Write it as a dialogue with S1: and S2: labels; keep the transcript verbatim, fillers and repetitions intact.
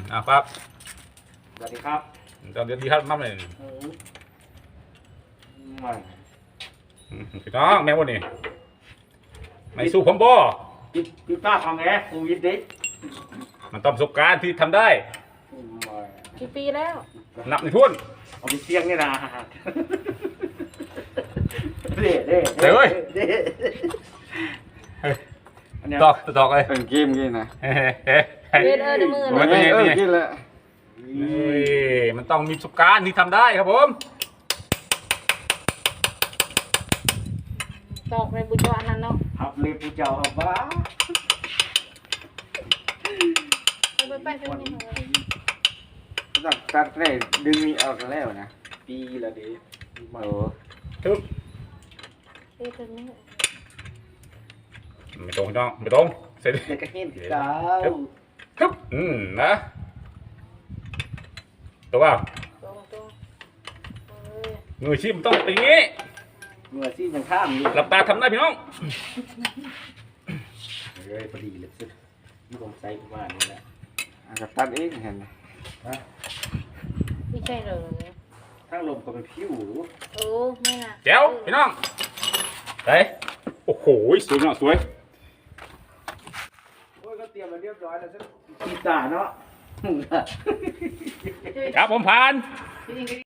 S1: อ่ะครับ
S2: สวัสดีครับ
S1: ตอนเดือนดีครับน้ำเลย
S2: ไม่
S1: พี่น้องแม่วันนี้ไม่สู้ผมบ่
S2: พี่พี่ป้าฟังแงโควิดดิ
S1: มันต้องประสบการณ์ที่ทำได้
S3: กี่ปีแล้ว
S1: นับในทุน
S2: เอาไปเสี่ยงนี่นะเด้เด้
S1: เดี๋ยวเว้ย
S2: เด้อันเนี้ย
S1: ตอกตอกเลย
S4: เป็นเกมกินนะ
S1: เฮ้เฮ้เฮ้เฮ้
S3: เวทเออในมือ
S1: มั
S3: นะ
S1: นเป็นไง
S4: เอ
S1: เป็น
S4: อ
S1: ไง
S4: กินแล้ว
S1: นี่มันต้องมีประสบการณ์ที่ทำได้ครับผม
S3: ตอกในบุญจอันนั้นเนาะ
S2: หับเลยผู้เจ้าหับบ้า
S3: ไปไปไปนี่
S4: ตัดตัดได้ดึงนี่ออกแล้วนะ
S2: ปีละเด้
S4: โอ้
S1: ทึบ
S3: ไปถึงนี่
S1: ไม่ตรงพี่น้องไม่ตรงเสร็จ
S2: เด็กก็เห็นเจ้า
S1: ทึบอืมนะตัวว่า
S3: ตรงตรงเออ
S1: มืออาชีพมันต้องเป็นอย่างนี้
S2: เมื่อซี่ยังข้ามอยู่
S1: หลับตาทำได้พี่น้อง
S2: เฮ้ยพอดีเลยสุดนี่ผมใส่ประมาณนี้แหละ
S4: อาจจะตัดเองเห็นไหม
S3: ไม่ใช่เลย
S2: ทั้งลมก็เป็นผิว
S3: โอ้ไม่น่ะ
S1: แจ๋วพี่น้องไปโอ้โหสวยเนาะสวย
S2: โอ้ยก็เตรียมมาเรียบร้อยแล้วสักกีตาร์เนาะ
S1: ครับผมผ่าน